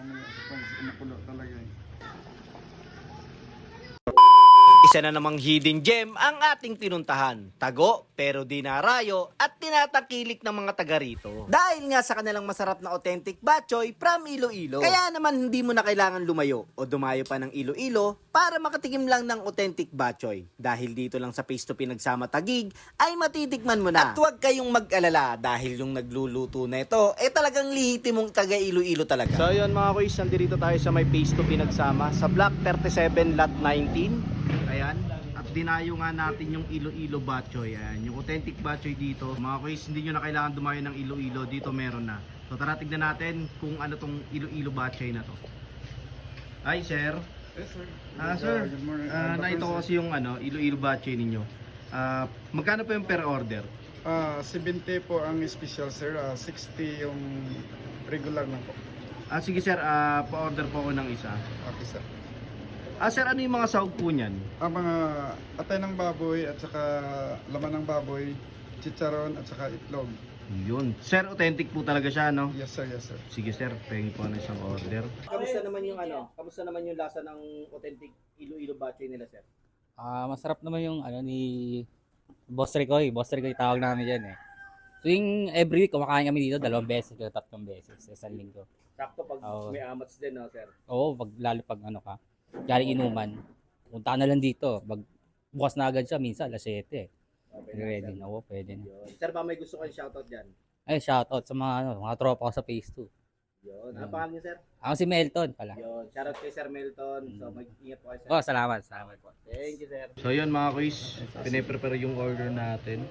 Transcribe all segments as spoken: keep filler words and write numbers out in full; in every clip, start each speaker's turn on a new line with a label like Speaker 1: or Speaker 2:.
Speaker 1: Nakulo talaga eh.
Speaker 2: Isa na namang hidden gem ang ating pinuntahan. Tago, pero di narayo at tinatakilik ng mga taga rito. Dahil nga sa kanilang masarap na authentic batchoy from Iloilo. Kaya naman hindi mo na kailangan lumayo o dumayo pa ng Iloilo para makatikim lang ng authentic batchoy. Dahil dito lang sa Face to Pinagsama Taguig ay matitikman mo na. At huwag kayong mag-alala dahil yung nagluluto na ito eh talagang lihitimong taga Iloilo talaga. So yun mga kuys, nandito tayo sa may Face to Pinagsama sa Block thirty-seven Lot nineteen. Ayan, at dinayo nga natin yung Iloilo batchoy. Ayan, yung authentic batchoy dito. Mga kuys, hindi nyo na kailangan dumayo ng Iloilo. Dito meron na. So tara, tignan natin kung ano tong Iloilo batchoy na to. Hi sir.
Speaker 1: Yes sir.
Speaker 2: Ah sir,
Speaker 1: Good morning.
Speaker 2: uh, nakita ko kasi yung ano, Iloilo batchoy ninyo. Ah, magkano po yung per order?
Speaker 1: Ah, seventy po ang special sir, ah, sixty yung regular na po.
Speaker 2: Ah sige sir, ah, pa-order po ako ng isa.
Speaker 1: Okay sir.
Speaker 2: Ah sir, ano yung mga sahog po niyan?
Speaker 1: Ang mga atay ng baboy at saka laman ng baboy, chicharon at saka itlog.
Speaker 2: Yun. Sir, authentic po talaga siya, no?
Speaker 1: Yes sir, yes sir.
Speaker 2: Sige sir, pengi po na isang order. Kamusta naman yung ano? Kamusta naman yung lasa ng authentic Iloilo batchoy nila, sir?
Speaker 3: Ah, masarap naman yung ano ni Boss Ricoy. Boss Ricoy tawag namin diyan eh. Tuwing every week kumakain kami dito dalawang beses o tatlong beses sa isang linggo.
Speaker 2: Sakto pag
Speaker 3: Oo.
Speaker 2: may amats din, no, sir?
Speaker 3: Oo, pag lalo pag ano ka, galing inuman. Punta ka na lang dito. Pag bukas na agad siya minsan alas siyete.
Speaker 2: Okay,
Speaker 3: Ready
Speaker 2: sir.
Speaker 3: na. Oo, pwede na.
Speaker 2: Yun. Sir, ba may gusto kayong shoutout dyan?
Speaker 3: Ay, shoutout sa mga ano, mga tropa ko sa Phase two.
Speaker 2: Yun. Ano
Speaker 3: Yun.
Speaker 2: pangalan niyo, sir?
Speaker 3: Ako si Melton pala.
Speaker 2: Yun. Shoutout kay Sir Melton. So, mag-ingat po kayo, sir.
Speaker 3: Oh, salamat, salamat po.
Speaker 2: Thank you, sir. So, yun mga kuys. Piniprepare yung order natin.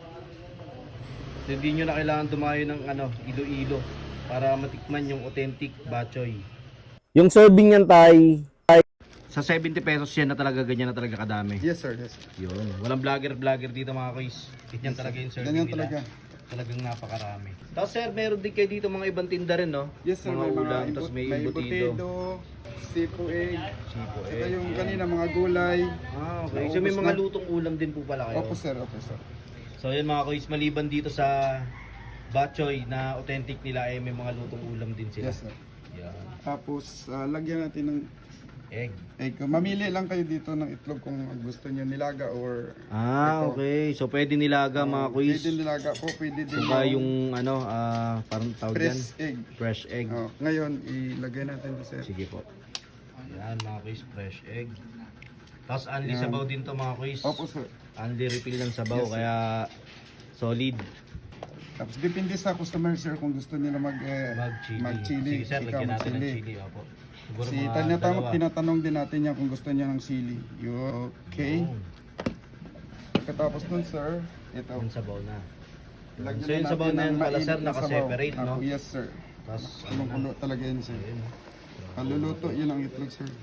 Speaker 2: Hindi nyo na kailangan dumayo ng ano, Iloilo para matikman yung authentic batchoy. Yung serving niyan tay, sa seventy pesos yan na talaga, ganyan na talaga kadami.
Speaker 1: Yes sir, yes sir.
Speaker 2: Yun. Walang vlogger-vlogger dito mga kuys. Ganyan talaga yung serving
Speaker 1: Ganyan
Speaker 2: nila.
Speaker 1: talaga.
Speaker 2: Talagang napakarami. Tapos sir, meron din kayo dito mga ibang tinda rin, no?
Speaker 1: Yes sir,
Speaker 2: mga
Speaker 1: may mga
Speaker 2: ulam,
Speaker 1: imbut,
Speaker 2: tapos may,
Speaker 1: may
Speaker 2: embutido.
Speaker 1: embutido, sipo egg,
Speaker 2: Sipo,
Speaker 1: saka
Speaker 2: eh.
Speaker 1: yung
Speaker 2: Yan.
Speaker 1: kanina mga gulay.
Speaker 2: Ah, okay.
Speaker 1: Naubos
Speaker 2: So may mga
Speaker 1: na.
Speaker 2: lutong ulam din po pala kayo.
Speaker 1: Opo sir, opo sir.
Speaker 2: So yun mga kuys, maliban dito sa batchoy na authentic nila, eh may mga lutong ulam din sila.
Speaker 1: Yes sir.
Speaker 2: Yan.
Speaker 1: Tapos ah, lagyan natin ng
Speaker 2: Egg.
Speaker 1: egg. Mamili lang kayo dito ng itlog kung gusto niyo nilaga or
Speaker 2: Ah,
Speaker 1: ito.
Speaker 2: okay. So pwede nilaga mga kuys.
Speaker 1: Pwede nilaga po, pwede din
Speaker 2: Saka yung ano, ah, parang tawag dyan?
Speaker 1: fresh egg.
Speaker 2: Fresh egg.
Speaker 1: Oh, ngayon, ilagay natin ito sir.
Speaker 2: Sige po. Yan mga kuys, fresh egg. Tapos only
Speaker 1: Yan.
Speaker 2: sabaw din to mga kuys.
Speaker 1: Opo sir.
Speaker 2: Only refill ng sabaw,
Speaker 1: Yes, sir.
Speaker 2: kaya solid.
Speaker 1: Tapos depende sa customer sir kung gusto nila mag eh,
Speaker 2: Mag-chili.
Speaker 1: mag-chili.
Speaker 2: Sige sir,
Speaker 1: ikaw
Speaker 2: lagyan natin ng
Speaker 1: mag-chili.
Speaker 2: chili. Opo. Siguro
Speaker 1: Si
Speaker 2: mga
Speaker 1: Tanya Tamot,
Speaker 2: dalawa.
Speaker 1: tinatanong din natin niya kung gusto niya ng sili. Yun, okay.
Speaker 2: Yun.
Speaker 1: Katapos nun sir, ito.
Speaker 2: Yung sabaw na.
Speaker 1: Lagyan
Speaker 2: So yung
Speaker 1: na
Speaker 2: sabaw
Speaker 1: natin
Speaker 2: na yan
Speaker 1: ng
Speaker 2: pala sir,
Speaker 1: mainit na
Speaker 2: naka-separate,
Speaker 1: sabaw.
Speaker 2: no?
Speaker 1: Ako, yes sir.
Speaker 2: Tapos
Speaker 1: Kulong-kulo talaga yun sir.
Speaker 2: Ayun.
Speaker 1: Paluluto, yun ang itlog sir.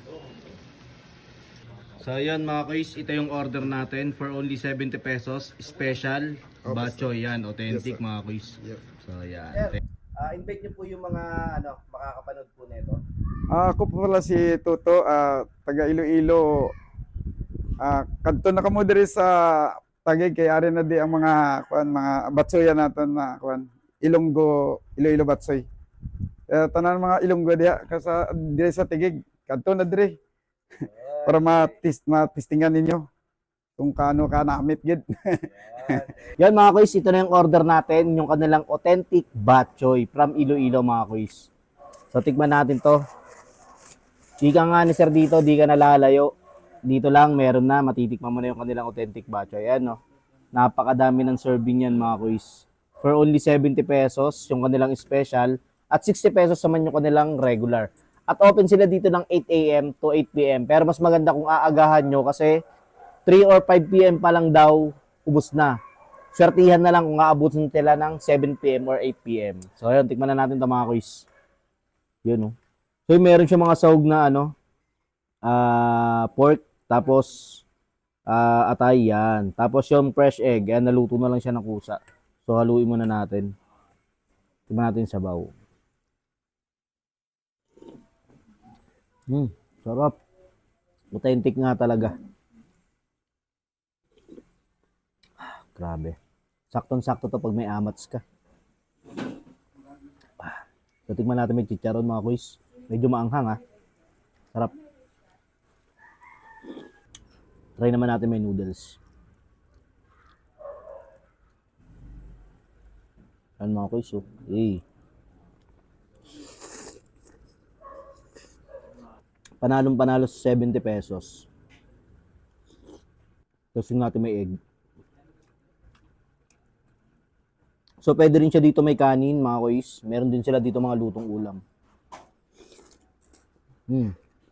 Speaker 2: So yun mga kuys, ito yung order natin for only seventy pesos. Special
Speaker 1: Opo,
Speaker 2: batchoy yan, authentic
Speaker 1: Yes, sir.
Speaker 2: mga kuys.
Speaker 1: Yep.
Speaker 2: So yan.
Speaker 4: Sir, uh, invite niyo po yung mga ano makakapanood po nito.
Speaker 1: Ah, ako po pala si Tuto, ah, taga Iloilo. Ah, kadto na kamo diri sa Taguig kay ari na di ang mga kuan mga batsoyan naton na kuan Ilonggo, Iloilo batsoy. Eh, tanan mga Ilonggo diha kasa diri sa Taguig. Kadto na diri. Para matis matistingan ninyo kung kaano ka namit gid.
Speaker 4: Yan mga kuys, ito na yung order natin, yung kanilang authentic batchoy from Iloilo mga kuys. So tikman natin to. Di ka nga ni sir dito, di ka nalalayo. Dito lang, meron na, matitikman mo na yung kanilang authentic batchoy. Ayan no, napakadami ng serving yan mga kuys. For only seventy pesos, yung kanilang special, at sixty pesos naman yung kanilang regular. At open sila dito ng eight a m to eight p m Pero mas maganda kung aagahan nyo kasi three or five p m pa lang daw, ubos na. Swertihan na lang kung aabutin sila ng seven p m or eight p m So ayun, tikman na natin ito mga kuys. Yun oh. So meron siya mga sahog na ano, ah pork, tapos ah atay yan. Tapos yung fresh egg, yan naluto na lang siya ng kusa. So haluin muna natin. Tikman natin yung sabaw. Hmm, sarap. Authentic nga talaga. Ah, grabe. Saktong-sakto to pag may amats ka. Ah, so, tingnan natin may chicharon mga kuys. Medyo maanghang ha. Sarap. Try naman natin may noodles. Yan mga kuys, oh. Eh. Panalong panalo sa seventy pesos. Tapos yung natin may egg. So, pwede rin siya dito may kanin, mga kuys. Meron din sila dito mga lutong ulam. Hmm.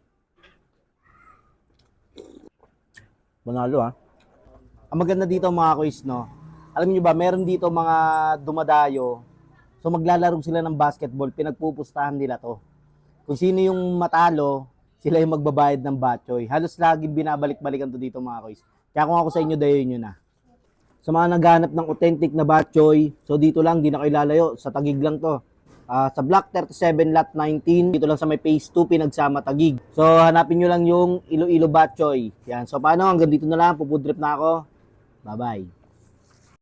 Speaker 4: Panalo ha. Ang maganda dito mga kuys, no? Alam niyo ba, meron dito mga dumadayo. So, maglalaro sila ng basketball. Pinagpupustahan nila to. Kung sino yung matalo, sila yung magbabayad ng batchoy. Halos laging binabalik-balikan to dito mga kuys. Kaya kung ako sa inyo, dayo nyo na. Sa mga naghanap ng authentic na batchoy, so dito lang, di na kayo lalayo. Sa Taguig lang to. Uh, sa Block thirty-seven, Lot nineteen, dito lang sa may Phase two, Pinagsama, Taguig. So, hanapin nyo lang yung Iloilo Batchoy. Yan. So, paano? Hanggang dito na lang. Pupudrip na ako. Bye-bye.